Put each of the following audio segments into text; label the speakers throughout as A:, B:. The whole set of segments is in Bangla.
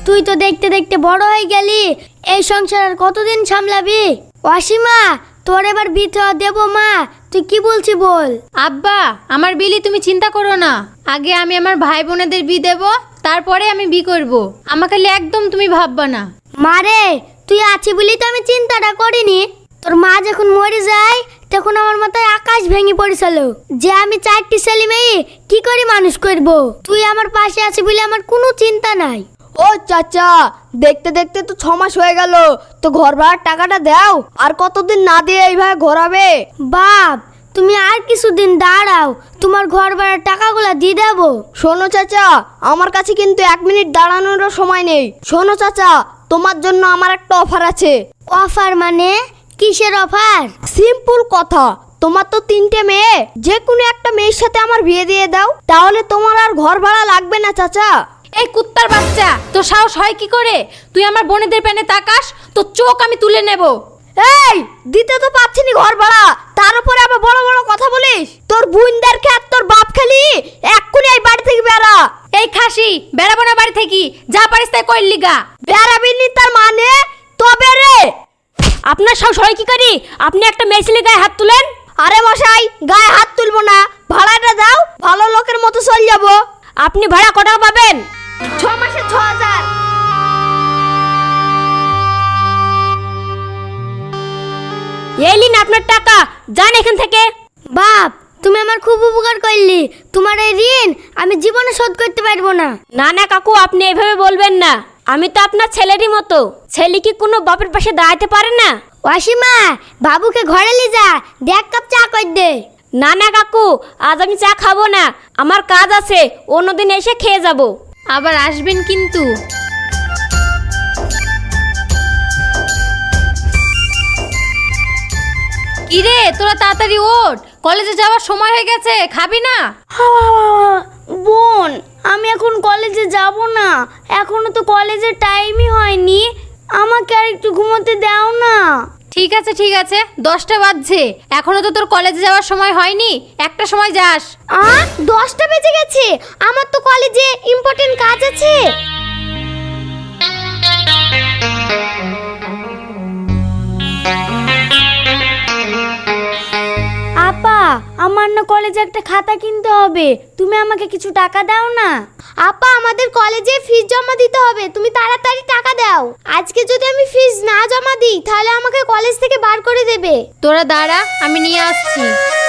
A: তুই তো দেখতে দেখতে বড় হয়ে গেলি, এই সংসার আর কতদিন সামলাবি? অসীমা, তোর এবার বিয়ে দেবো মা, তুই কি বলছি বল।
B: আব্বা, আমার বিলি তুমি চিন্তা করো না। আগে আমি আমার ভাই বোনেদের বিয়ে দেবো, তারপরে আমি বিয়ে করব। আমাকে নিয়ে একদম তুমি ভাববা না।
A: মারে, তুই আছি বলি তো আমি চিন্তাটা করিনি। তোর মা যখন মরে যায় তখন আমার মাথায় আকাশ ভেঙে পড়েছিল যে আমি 4টি ছেলে মেয়ে কি করে মানুষ করব। তুই আমার পাশে আছি বলে আমার কোনো চিন্তা নাই।
C: ও চাচা, দেখতে দেখতে তো 6 মাস হয়ে গেল, তো ঘর ভাড়ার টাকাটা দাও। আর কতদিন না দিয়ে এইভাবে ঘোরাবে?
A: বাপ, তুমি আর কিছুদিন দাঁড়াও, তোমার ঘর ভাড়ার টাকাগুলো দিয়ে দেবো।
C: শোনো চাচা, আমার কাছে কিন্তু 1 মিনিট দাঁড়ানোরও সময় নেই। শোনো চাচা, তোমার জন্য আমার একটা অফার আছে।
A: অফার মানে? কিসের অফার?
C: সিম্পল কথা, তোমার তো 3টে মেয়ে, যে কোনো একটা মেয়ের সাথে আমার বিয়ে দিয়ে দাও, তাহলে তোমার আর ঘর ভাড়া লাগবে না চাচা।
B: এই কুত্তার বাচ্চা, তোর সাহস হয় কি করে? তুই আমার বোনেদের প্যানে তাকাস, তোর চোখ আমি তুলে নেব।
C: এই, দিতে তো পাচ্ছি না ঘর ভাড়া, তার উপরে আবার বড় বড় কথা বলিস। তোর বোনদের খেত তোর বাপ খালি, এক্ষুনি এই বাড়ি থেকে বেরা।
B: এই খাসি, বেড়াবো না বাড়ি থেকে, যা পারিস তাই কইলি গা।
C: বেরাবি নি তার মানে? তবে রে,
B: আপনার সাহস হয় কি করে? আপনি একটা মেয়ে ছেলে গায়ে হাত তুলেন?
C: আরে মশাই, গায়ে হাত তুলবো না, ভাড়াটা দাও, ভালো লোকের মতো চল যাবো।
B: আপনি ভাড়া কত পাবেন?
C: 6 মাসে 6000।
B: এই নিন আপনার টাকা, যান এখান থেকে।
A: বাপ, তুমি আমার খুব উপকার করলি, তোমার এই ঋণ আমি জীবনে শোধ করতে পারবো না।
B: না না কাকু, আপনি এভাবে বলবেন না। আমি তো আপনার ছেলেরই মতো। ছেলে কি কোনো বাপের পাশে দাঁড়াতে পারে না?
A: অসীমা, বাবুকে ঘরে নিয়ে যা, দেখ কাপ চা কর দে।
B: না না কাকু, আজ আমি চা খাবো না, আমার কাজ আছে, অন্যদিন এসে খেয়ে যাব। আবার আসবেন কিন্তু। কিরে, তোরা তাড়াতাড়ি ওঠ, কলেজে যাওয়ার সময় হয়ে গেছে, খাবি না?
A: বোন, আমি এখন কলেজে যাব না, এখনো তো কলেজের টাইমই হয়নি, আমাকে আর একটু ঘুমোতে দাও না।
B: ঠিক আছে ঠিক আছে, 10টা বাজছে, এখনো তো তোর কলেজে যাওয়ার সময় হয়নি, একটা সময় যাস।
A: 10টা বেজে গেছে, আমার তো কলেজে ইম্পর্টেন্ট কাজ আছে। আপা, আমার না কলেজে একটা খাতা কিনতে হবে, তুমি আমাকে কিছু টাকা দাও না। আপা, আমাদের কলেজে ফিস জমা দিতে হবে, তুমি তাড়াতাড়ি টাকা দাও। আজকে যদি আমি ফিস না জমা দিই তাহলে আমাকে কলেজ থেকে বার করে দেবে।
B: তোরা দাঁড়া, আমি নিয়ে আসছি।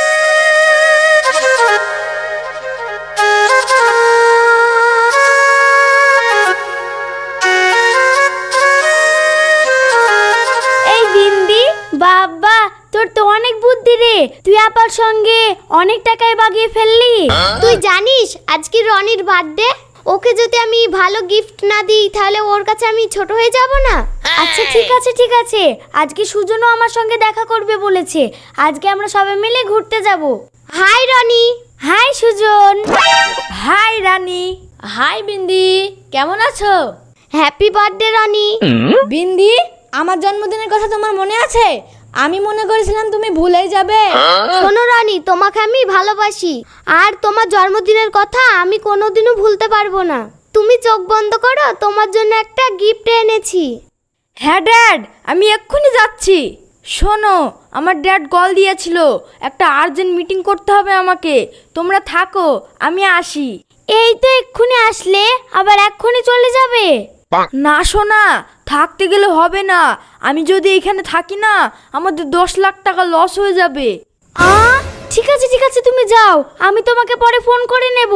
A: এই বিন্দি, বাবা তোর তো অনেক বুদ্ধি রে, তুই আপার সঙ্গে অনেক টাকায় বাগিয়ে ফেললি। তুই জানিস আজকে রনির বার্থডে, ওকে যদি আমি ভালো গিফট না দিই তাহলে ওর কাছে আমি ছোট হয়ে যাব না। আচ্ছা ঠিক আছে ঠিক আছে, আজকে সুজনও আমার সঙ্গে দেখা করবে বলেছে, আজকে আমরা সবাই মিলে ঘুরতে যাব। Hi Rony. Hi Sujan.
B: Hi Rani. Hi Bindi, কেমন আছো?
A: Happy birthday Roni.
B: বিন্দি, আমার জন্মদিনের কথা তোমার মনে আছে? আমি মনে করেছিলাম তুমি ভুলেই যাবে।
A: শোনো রানী, তোমাকে আমি ভালোবাসি, আর তোমার জন্মদিনের কথা আমি কোনোদিনও ভুলতে পারবো না। তুমি চোখ বন্ধ করো, তোমার জন্য একটা গিফট এনেছি।
C: হ্যাঁ ড্যাড, আমি এক্ষুনি যাচ্ছি। শোনো, আমার ড্যাড কল দিয়েছিল, একটা আর্জেন্ট মিটিং করতে হবে আমাকে, তোমরা থাকো, আমি আসি।
A: এই তো এক্ষুনি আসলে, আবার এক্ষুনি চলে যাবে?
C: না শোনা, থাকতে গেলে হবে না, আমি যদি এখানে থাকি না আমাদের 10 লাখ টাকা লস হয়ে যাবে।
A: ঠিক আছে ঠিক আছে, তুমি যাও, আমি তোমাকে পরে ফোন করে নেব।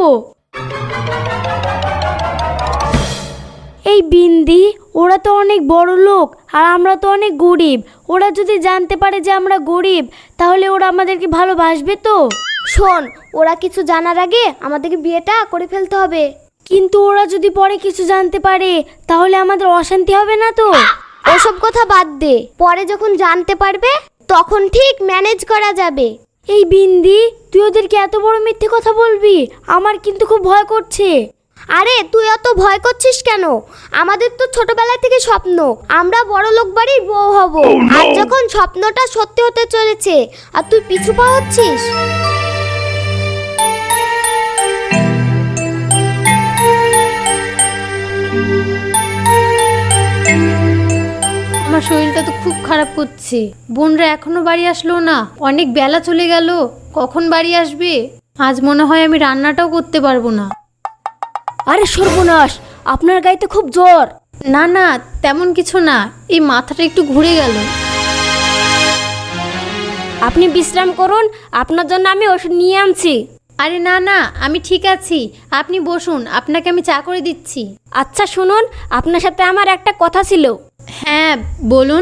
A: এই বিন্দি, ওরা তো অনেক বড় লোক আর আমরা তো অনেক গরিব, ওরা যদি জানতে পারে যে আমরা গরিব তাহলে ওরা আমাদেরকে ভালোবাসবে তো? শোন, ওরা কিছু জানার আগে আমাদেরকে বিয়েটা করে ফেলতে হবে। কিন্তু ওরা যদি পরে কিছু জানতে পারে তাহলে আমাদের অশান্তি হবে না তো? ওসব কথা বাদ দে, পরে যখন জানতে পারবে তখন ঠিক ম্যানেজ করা যাবে। এই বিন্দি, তুই ওদেরকে এত বড় মিথ্যে কথা বলবি? আমার কিন্তু খুব ভয় করছে। আরে তুই অত ভয় করছিস কেন? আমাদের তো ছোটবেলা থেকে স্বপ্ন আমরা বড় লোক বাড়ির বউ হব। আর যখন স্বপ্নটা সত্যি হতে চলেছে আর তুই পিছু পা হচ্ছিস।
B: আমার শরীরটা তো খুব খারাপ করছে। বোনরা এখনো বাড়ি আসলো না, অনেক বেলা চলে গেল, কখন বাড়ি আসবে? আজ মনে হয় আমি রান্নাটাও করতে পারবো না।
A: আরে সর্বনাশ, আপনার গায়ে তো খুব জ্বর।
B: না না, তেমন কিছু না, এই মাথাটা একটু ঘুরে গেল।
A: আপনি বিশ্রাম করুন, আপনার জন্য আমি ওষুধ নিয়ে আনছি।
B: আরে না না, আমি ঠিক আছি, আপনি বসুন, আপনাকে আমি চা করে দিচ্ছি।
A: আচ্ছা শুনুন, আপনার সাথে আমার একটা কথা ছিল।
B: হ্যাঁ বলুন।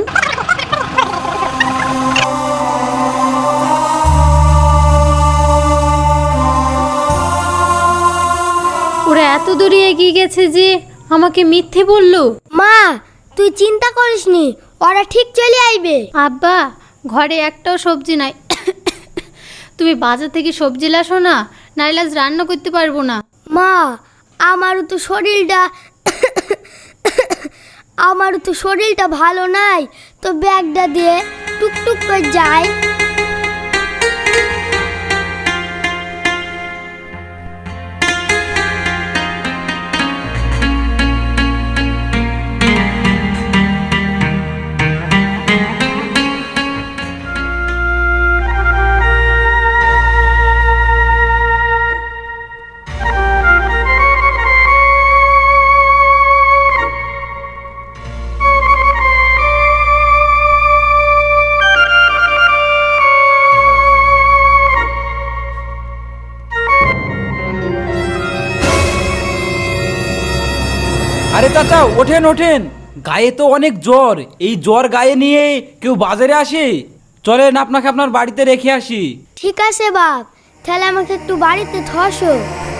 B: ওরা এত দূরে এগিয়ে গেছে যে আমাকে মিথ্যে বলল।
A: মা, তুই চিন্তা করিসনি, ওরা ঠিক চলে আইবে।
B: আব্বা, ঘরে একটাও সবজি নাই। তুমি বাজার থেকে সবজি লাসো না, নাইলে আজ রান্না করতে পারবো না।
A: মা, আমারও তো শরীরটা ভালো নাই, তো ব্যাগটা দিয়ে টুকটুক করে যাই।
D: আরে চাচা, ওঠেন ওঠেন, গায়ে তো অনেক জ্বর। এই জ্বর গায়ে নিয়ে কেউ বাজারে আসে? চলেন আপনাকে আপনার বাড়িতে রেখে আসি।
A: ঠিক আছে বাপ, তাহলে আমাকে একটু বাড়িতে ধসো।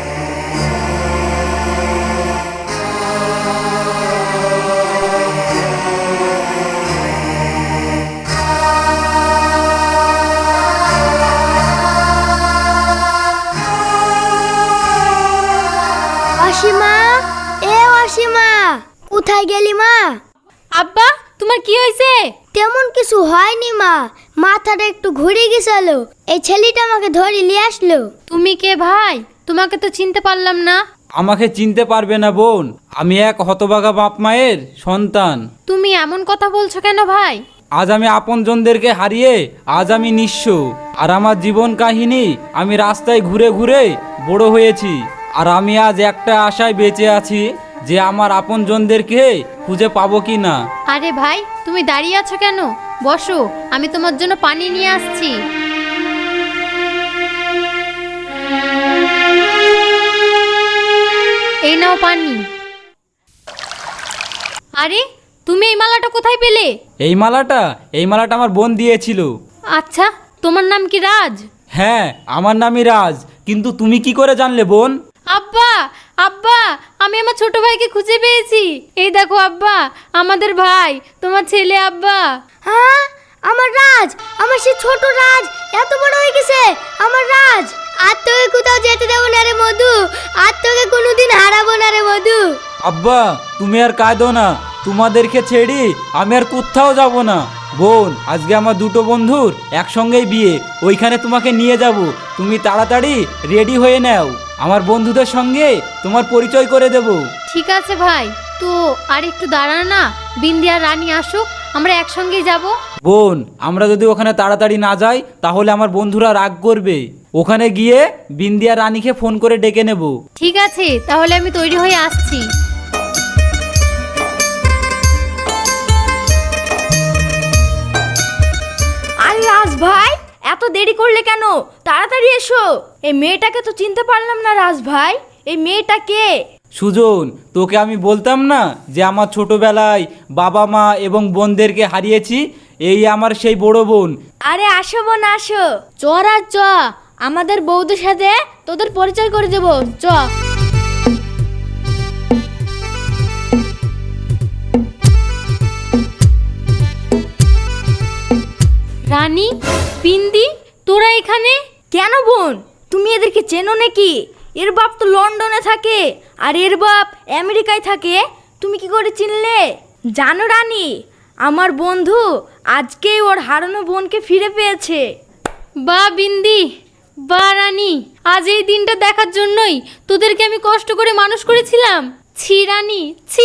A: অসীমা, অসীমা, কোথায় গেলি মা?
B: আব্বা, তোমার কি হয়েছে?
A: তেমন কিছু হয়নি মা, মাথাটা একটু ঘুরে গেছিল, এই ছেলেটা আমাকে ধরে নিয়ে আসলো।
B: তুমি কে ভাই? তোমাকে তো চিনতে পারলাম না।
D: আমাকে চিনতে পারবে না বোন, আমি এক হতভাগা বাপ মায়ের সন্তান।
B: তুমি এমন কথা বলছো কেন ভাই?
D: আজ আমি আপনজনদেরকে হারিয়ে আজ আমি নিঃস্ব। আর আমার জীবন কাহিনী, আমি রাস্তায় ঘুরে ঘুরে বড় হয়েছি। আর আমি আজ একটা আশায় বেঁচে আছি যে আমার আপনজনদেরকে খুঁজে পাবো কি না।
B: আরে ভাই, তুমি দাঁড়িয়ে আছো কেন? বসো, আমি তোমার জন্য পানি নিয়ে আসছি। এই নাও পানি। আরে, তুমি এই মালাটা কোথায় পেলে?
D: এই মালাটা আমার বোন দিয়েছিল।
B: আচ্ছা, তোমার নাম কি রাজ?
D: হ্যাঁ, আমার নামই রাজ। কিন্তু তুমি কি করে জানলে বোন?
B: আব্বা, আব্বা, আমি আমার ছোট ভাইকে খুঁজে পেয়েছি। এই দেখো আব্বা, আমাদের ভাই, তোমার ছেলে আব্বা।
A: হ্যাঁ, আমার রাজ, আমার সে ছোট রাজ এত বড় হয়ে গেছে। আমার রাজ, আর তোকে কোথাও যেতে দেবো না রে মধু, আর তোকে কোনোদিন হারাবো না রে মধু।
D: আব্বা, তুমি আর কাঁদো না, তোমাদেরকে ছেড়ে আমি আর কোথাও যাব না। বোন, আজকে আমার দুটো বন্ধুর একসঙ্গেই বিয়ে, ওইখানে তোমাকে নিয়ে যাব। তুমি তাড়াতাড়ি রেডি হয়ে নাও, আমার বন্ধুদের সঙ্গে তোমার পরিচয় করে দেব।
B: ঠিক আছে ভাই, তো আর একটু দাঁড়া না, বিন্দি আর রানী আসুক, আমরা একসঙ্গেই যাব।
D: বোন, আমরা যদি ওখানে তাড়াতাড়ি না যাই তাহলে আমার বন্ধুরা রাগ করবে। ওখানে গিয়ে বিন্দিয়া রানীকে ফোন করে ডেকে নেব।
B: ঠিক আছে, তাহলে আমি তৈরি হয়ে আসছি।
C: আরে রাজ ভাই, এত দেরি করলে কেন? তাড়াতাড়ি এসো। এই মেয়েটাকে তো চিনতে পারলাম না রাজ ভাই, এই মেয়েটা কে?
D: সুজন, তোকে আমি বলতাম না যে আমার ছোটবেলায় বাবা মা এবং বোনদেরকে হারিয়েছি? এই আমার সেই বড় বোন।
C: আরে আসো বোন আসো।
A: চ রাজ চ, আমাদের বৌদির সাথে তোদের পরিচয় করে দেবো, চ।
B: রানী, বিন্দি, তোরা এখানে?
C: কেন বোন, তুমি এদেরকে চেনো নাকি? এর বাপ তো লন্ডনে থাকে আর এর বাপ আমেরিকায় থাকে, তুমি কি করে চিনলে? জানো রানী, আমার বন্ধু আজকেই ওর হারানো বোনকে ফিরে পেয়েছে।
B: বা বিন্দি, বা রানী, আজ এই দিনটা দেখার জন্যই তোদেরকে আমি কষ্ট করে মানুষ করেছিলাম। ছি রানী, ছি,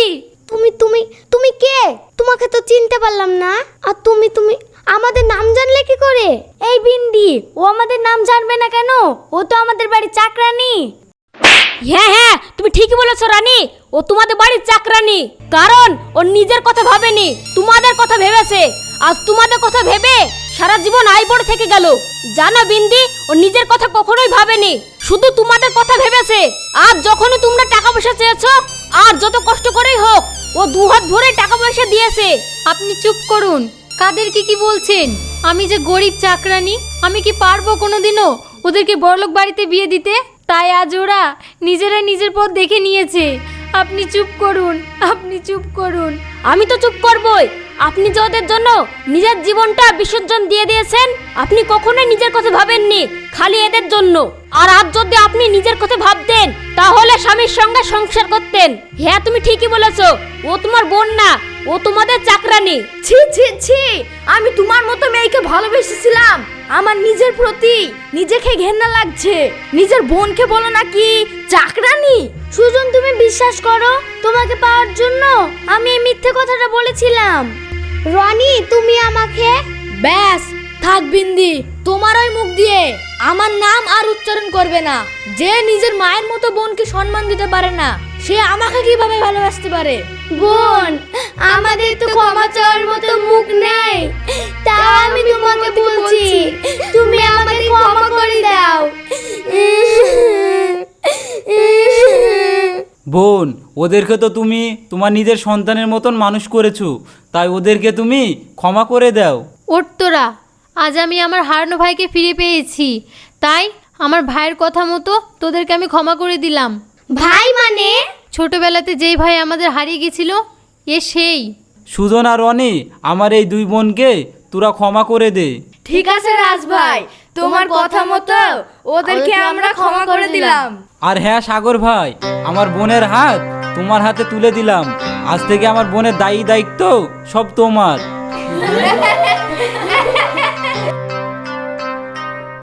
A: তুমি তুমি তুমি কে? তোমাকে তো চিনতে পারলাম না। আর তুমি তুমি আমাদের নাম জানলে কি করে? এই বিন্দি, ও আমাদের নাম জানবে না কেন? ও তো আমাদের বাড়ির চাকরানি।
E: হ্যাঁ হ্যাঁ, তুমি ঠিকই বলেছো রানী, ও তোমাদের বাড়ির চাকরানি। কারণ ও নিজের কথা ভাবেনি, তোমাদের কথা ভেবেছে। আজ তোমাদের কথা ভেবে সারা জীবন আইবড় থেকে গেল। জানো বিন্দি, ও নিজের কথা কখনোই ভাবেনি, শুধু তোমাদের কথা ভেবেছে। আর যখনই তোমরা টাকা পয়সা চেয়েছো, আর যত কষ্ট করেই হোক, ও দু হাত ভরে টাকা পয়সা দিয়েছে।
B: আপনি চুপ করুন, কাদেরকে কি বলছেন? আমি যে গরিব চাকরানি, আমি কি পারবো কোনোদিনও ওদেরকে বড়লোক বাড়িতে বিয়ে দিতে? তাই আজ ওরা নিজেরাই নিজের পথ দেখে নিয়েছে। আপনি চুপ করুন, আপনি চুপ করুন।
E: আমি তো চুপ করবই। আপনি যে ওদের জন্য নিজের জীবনটা বিসর্জন দিয়ে দিয়েছেন, আপনি কখনোই নিজের কথা ভাবেননি, খালি এদের জন্য। আর আজ যদি আপনি নিজের কথা ভাবতেন, তাহলে স্বামীর সঙ্গে সংসার করতেন। হ্যাঁ, তুমি ঠিকই বলেছো, ও তোমার বোন না, ও তোমাদের চাকরানি।
C: ছি ছি ছি, আমি তোমার মতো মেয়েকে ভালোবেসেছিলাম। আমার নিজের প্রতি নিজেকে ঘেন্না লাগছে। নিজের বোনকে বলো নাকি চাকরানি?
A: সুজন, তুমি বিশ্বাস করো, তোমাকে পাওয়ার জন্য আমি এই মিথ্যে কথাটা বলেছিলাম। রনি, তুমি আমাকে
C: ব্যাস থাক বিন্দি, তোমার ওই মুখ দিয়ে আমার নাম আর উচ্চারণ করবে না। যে নিজের মায়ের মতো বোনকে সম্মান দিতে পারে না, সে আমাকে কিভাবে ভালোবাসতে পারে?
A: বোন, আমাদের তো ক্ষমা চাওয়ার মতো মুখ নাই, তাও আমি তোমাকে বলছি, তুমি আমাকে ক্ষমা করে দাও।
D: বোন, ওদেরকে তো তুমি তোমার নিজের সন্তানের মতন মানুষ করেছো, তাই ওদেরকে তুমি ক্ষমা করে দাও।
B: ওঠ তোরা, আজ আমি আমার হারানো ভাইকে ফিরে পেয়েছি, তাই আমার ভাইয়ের কথা মতো তোদেরকে আমি ক্ষমা করে দিলাম।
A: ভাই মানে?
B: ছোটবেলাতে যেই ভাই আমাদের হারিয়ে গেছিল, এ সেই।
D: সুজন আর রনি, আমার এই দুই বোনকে তোরা ক্ষমা করে দে।
C: ঠিক আছে রাজ ভাই, তোমার কথা মতো ওদেরকে আমরা ক্ষমা করে দিলাম।
D: আর হ্যাঁ সাগর ভাই, আমার বোনের হাত তোমার হাতে তুলে দিলাম। আজ থেকে আমার বোনের দায়িত্ব সব তোমার।